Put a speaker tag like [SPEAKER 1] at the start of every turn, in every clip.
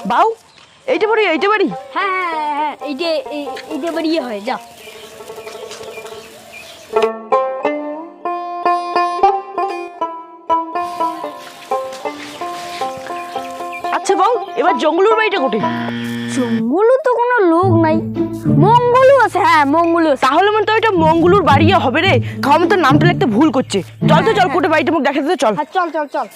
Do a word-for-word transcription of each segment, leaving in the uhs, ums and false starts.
[SPEAKER 1] বাউ এইটা বাড়ি এইটা বাড়ি
[SPEAKER 2] হ্যাঁ হ্যাঁ হ্যাঁ এইটা এইটা বাড়িয়ে হয় যা।
[SPEAKER 1] আচ্ছা বাউ এবার জঙ্গলুর বাড়িটা কোটে?
[SPEAKER 2] জঙ্গলু তো কোনো লোক নাই, মঙ্গলু আছে। হ্যাঁ মঙ্গলু আছে।
[SPEAKER 1] তাহলে মনে তো ওইটা মঙ্গলুর বাড়ি হবে রে। খাওয়া তো নামটা লিখতে ভুল করছে। চল তো চল কোটে বাড়িটা মুখ দেখাতে চল।
[SPEAKER 2] হ্যাঁ চল চল চল।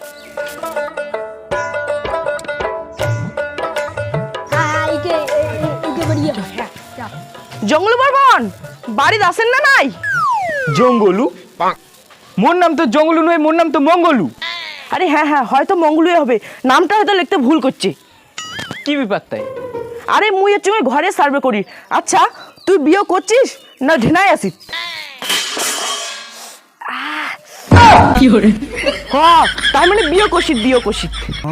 [SPEAKER 2] হ্যাঁ এইটা এইটা বাড়িয়ে হয়। হ্যাঁ যা।
[SPEAKER 1] জঙ্গলু বর্মন বাড়ি আসেন না নাই?
[SPEAKER 3] জঙ্গলু? মোর নাম তো জঙ্গলু নয়, মোর নাম তো মঙ্গলু।
[SPEAKER 1] আরে হ্যাঁ হ্যাঁ হয়তো মঙ্গলুই হবে, নামটা হয়তো লিখতে ভুল করছে।
[SPEAKER 3] কি ব্যাপার তাই?
[SPEAKER 1] আরে মুই হচ্ছে ওই ঘরে সার্ভে করি। আচ্ছা তুই বিয়ে করছিস না ঢেনায় আসিস?
[SPEAKER 3] কি হরে?
[SPEAKER 1] হ্যাঁ তার মানে বিয়ে করছিস বিয়ে করছিস।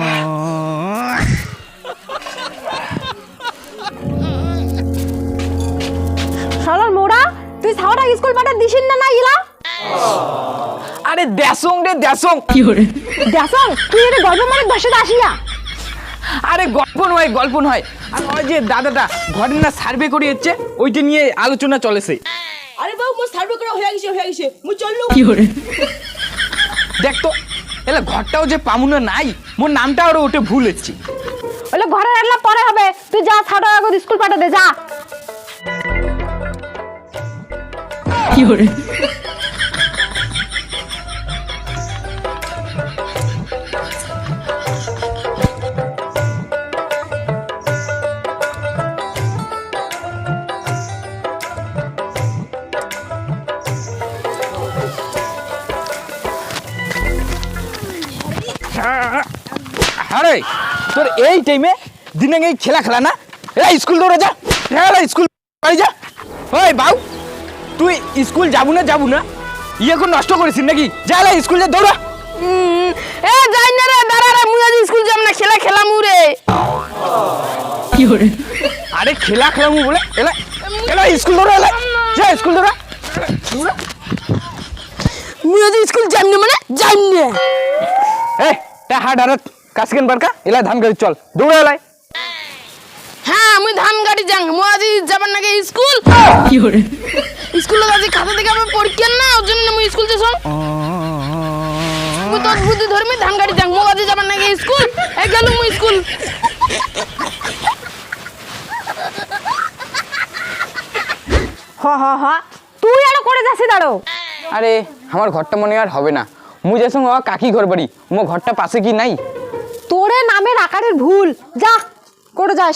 [SPEAKER 2] শালার মোড়া তুই সাওটা স্কুল পাঠা দিছিস না না ইলা?
[SPEAKER 3] আরে দেশং রে দেশং।
[SPEAKER 1] কি হরে?
[SPEAKER 2] দেশং তুই এটা গল্প মানে ভাষাতে আসিয়া?
[SPEAKER 3] আরে গল্প নয় গল্প নয়, আর ওই যে দাদাটা ঘরে না সার্ভে করে যাচ্ছে, ওইটা নিয়ে আলোচনা চলেছে।
[SPEAKER 1] আরে বাবু মোর সার্ভে করা হয়ে গেছে হয়ে গেছে মুই চললু।
[SPEAKER 3] কি হরে? দেখ তো এলা ঘরটাও যে পামুনা নাই, মোর নামটা আরো ওটা ভুল হচ্ছে।
[SPEAKER 2] ওলে ঘরে রাখলা পরে হবে, তুই যা সাওটা আগে স্কুল পাঠা দে যা।
[SPEAKER 3] কি হরে? আরে তোর এই টাইমে দিনে এই খেলা খেলা না, এই স্কুল দৌড়ে যা, খেলা স্কুল বাড়ি যা। ওই বাউ তুই স্কুল যাবো না যাবো না ইয়ে কোন নষ্ট করেছিস নাকি? যা লা স্কুল যা দৌড়া।
[SPEAKER 1] এ যাই না রে দাঁড়া রে মুই আজ স্কুল যাব না, খেলা খেলাম রে।
[SPEAKER 3] কি হরে? আরে খেলা খেলামু বলে এলা এলা স্কুল দৌড়া, এলা যা স্কুল দৌড়া দৌড়া।
[SPEAKER 1] মুই আজ স্কুল যাব না মানে যাব না।
[SPEAKER 3] এ তা হাট হারত কাসকেন বারকা এলা ধান গাড়ি চল দৌড়া এলাই।
[SPEAKER 1] হ্যাঁ মুই ধান গাড়ি যাং, মুই আজ যাবার নাকি স্কুল।
[SPEAKER 3] কি হরে?
[SPEAKER 1] স্কুলে আজ খাতা থেকে আমার পরীক্ষা না, ওর জন্য মুই স্কুল যাস। মুই তোর বুদ্ধি ধর্মী ধান গাড়ি যাং, মুই আজ যাবার নাকি স্কুল। এ গেল মুই স্কুল।
[SPEAKER 2] হ হ হ তুই আর করে যাচ্ছিস দাঁড়ো।
[SPEAKER 3] আরে আমার ঘরটা মনে আর হবে না, মুই যাস কাকি ঘর বাড়ি, মো ঘরটা পাশে কি নাই?
[SPEAKER 2] তোরে নামের আকারের ভুল, যা করে যাস।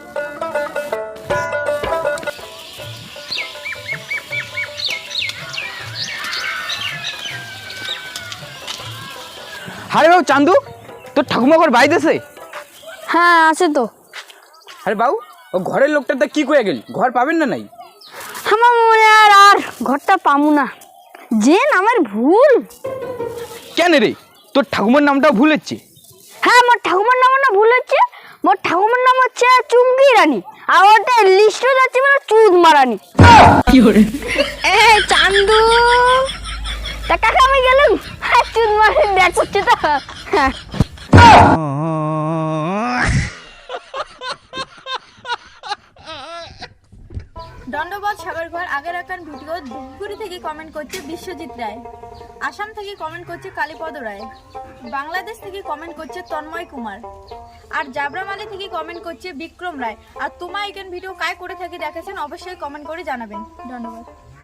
[SPEAKER 3] আরে বাবু চান্দু তোর ঠাকুমা ঘর বাইতেছে?
[SPEAKER 2] হ্যাঁ আছে তো।
[SPEAKER 3] আরে বাবু ও ঘরের লোকটা তা কি কয়ে গেল, ঘর পাবেন না নাই?
[SPEAKER 2] আমার মনে আর আর ঘরটা পামু না, যে নামের ভুল।
[SPEAKER 3] কেন রে তোর ঠাকুমার নামটাও ভুল হচ্ছে?
[SPEAKER 2] হ্যাঁ মোর ঠাকুমার নাম না ভুল হচ্ছে, মোর ঠাকুমার নাম হচ্ছে চুমকি রানী, আর ওটা লিস্টে যাচ্ছে মানে চুদ মারানি।
[SPEAKER 3] কি করে?
[SPEAKER 2] এ চান্দু তা কাকা আমি গেলাম, হ্যাঁ চুদ মারানি দেখ হচ্ছে তো। হ্যাঁ
[SPEAKER 4] দণ্ডবাদ সাগর ঘর আগের একখান ভিডিও ধূপগুড়ি থেকে কমেন্ট করছে বিশ্বজিৎ রায়, আসাম থেকে কমেন্ট করছে কালীপদ রায়, বাংলাদেশ থেকে কমেন্ট করছে তন্ময় কুমার, আর জাবরামালি থেকে কমেন্ট করছে বিক্রম রায়। আর তোমার এখান ভিডিও কায় করে থাকি দেখেছেন অবশ্যই কমেন্ট করে জানাবেন। ধন্যবাদ।